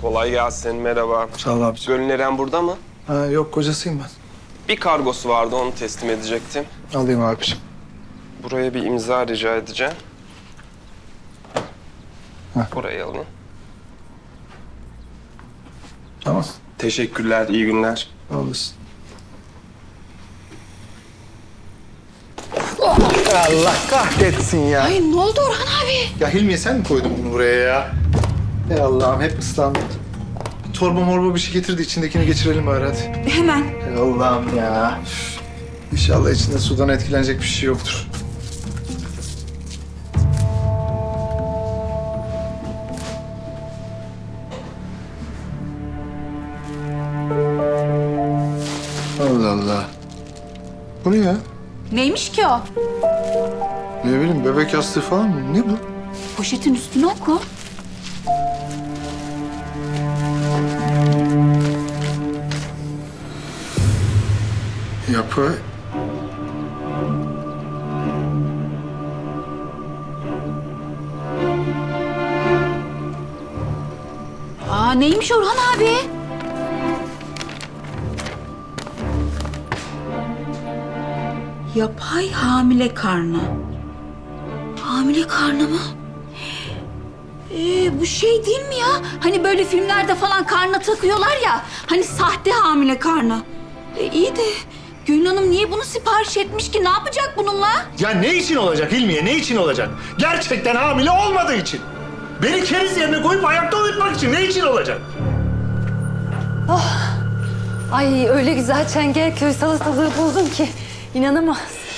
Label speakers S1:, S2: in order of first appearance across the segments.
S1: Kolay gelsin, merhaba.
S2: Sağ ol abiciğim.
S1: Gönül Eren burada mı?
S2: Ha, yok kocasıyım ben.
S1: Bir kargosu vardı, onu teslim edecektim.
S2: Alayım abiciğim.
S1: Buraya bir imza rica edeceğim.
S2: Heh.
S1: Burayı alın.
S2: Tamam.
S1: Teşekkürler, iyi günler.
S2: Sağ olasın. Allah kahretsin ya.
S3: Ay ne oldu Orhan abi?
S2: Ya Hilmiye sen mi koydun bunu buraya ya? Ey Allah'ım hep ıslandım. Torba morba bir şey getirdi, içindekini geçirelim bari hadi.
S3: Hemen.
S2: Ey Allah'ım ya. Üf. İnşallah içinde sudan etkilenecek bir şey yoktur. Allah Allah. Bu ne ya?
S3: Neymiş ki o?
S2: Ne bileyim, bebek yastığı falan mı? Ne bu?
S3: Poşetin üstüne oku.
S2: Yapı...
S3: Aa neymiş Orhan abi? Yapay hamile karnı. Hamile karnı mı? Bu şey değil mi ya? Hani böyle filmlerde falan karnına takıyorlar ya. Hani sahte hamile karnı. İyi de Gönül Hanım niye bunu sipariş etmiş ki? Ne yapacak bununla?
S4: Ya ne için olacak Hilmiye, ne için olacak? Gerçekten hamile olmadığı için. Beni keriz yerine koyup ayakta uyutmak için ne için olacak?
S5: Ay öyle güzel Çengelköy salatalığı buldum ki inanamaz.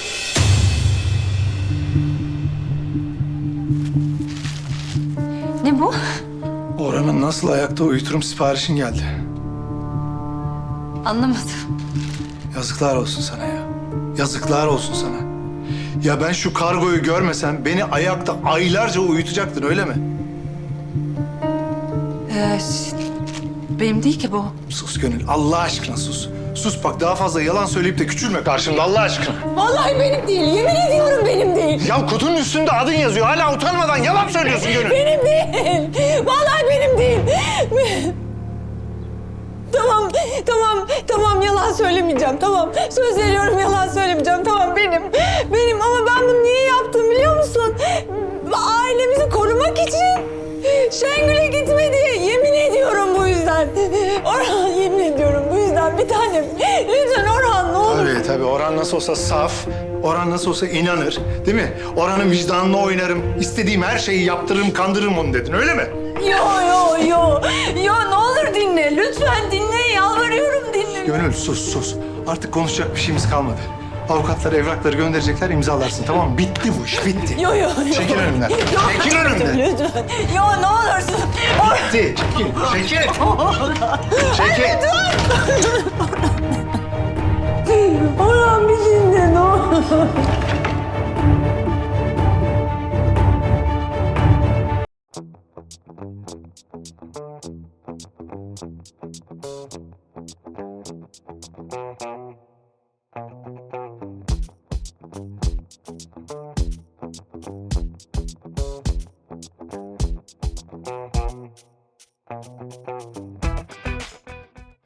S5: Ne bu?
S2: Orhan'ı nasıl ayakta uyuturum siparişin geldi.
S5: Anlamadım.
S2: Yazıklar olsun sana ya. Yazıklar olsun sana. Ya ben şu kargoyu görmesem beni ayakta aylarca uyutacaktın öyle mi?
S5: Benim değil ki bu.
S2: Sus Gönül, Allah aşkına sus. Sus bak, daha fazla yalan söyleyip de küçülme karşımda Allah aşkına.
S5: Vallahi benim değil. Yemin ediyorum benim değil.
S4: Ya kutunun üstünde adın yazıyor. Hala utanmadan yalan söylüyorsun Gönül.
S5: Benim değil. Vallahi benim değil. Tamam yalan söylemeyeceğim. Tamam söz veriyorum yalan söylemeyeceğim. Tamam benim ama ben bunu niye yaptım biliyor musun? Ailemizi korumak için. Şengül'e gitme diye yemin ediyorum bu yüzden. Orhan yemin ediyorum bu yüzden bir tanem. Lütfen Orhan ne olur.
S2: Tabii Orhan nasıl olsa saf, Orhan nasıl olsa inanır değil mi? Orhan'ın vicdanına oynarım, istediğim her şeyi yaptırırım, kandırırım onu dedin öyle mi?
S5: Yo ne olur dinle. Lütfen dinle yalvarıyorum dinle.
S2: Gönül sus. Artık konuşacak bir şeyimiz kalmadı. Avukatlar evrakları gönderecekler, imzalarsın tamam mı? Bitti bu iş, bitti.
S5: Yo.
S2: Çekil önümden. Çekil önümden.
S5: Lütfen. Yo ne olursun.
S2: Bitti. Çekil. Çekil.
S5: Orhan bir dinle ne olur.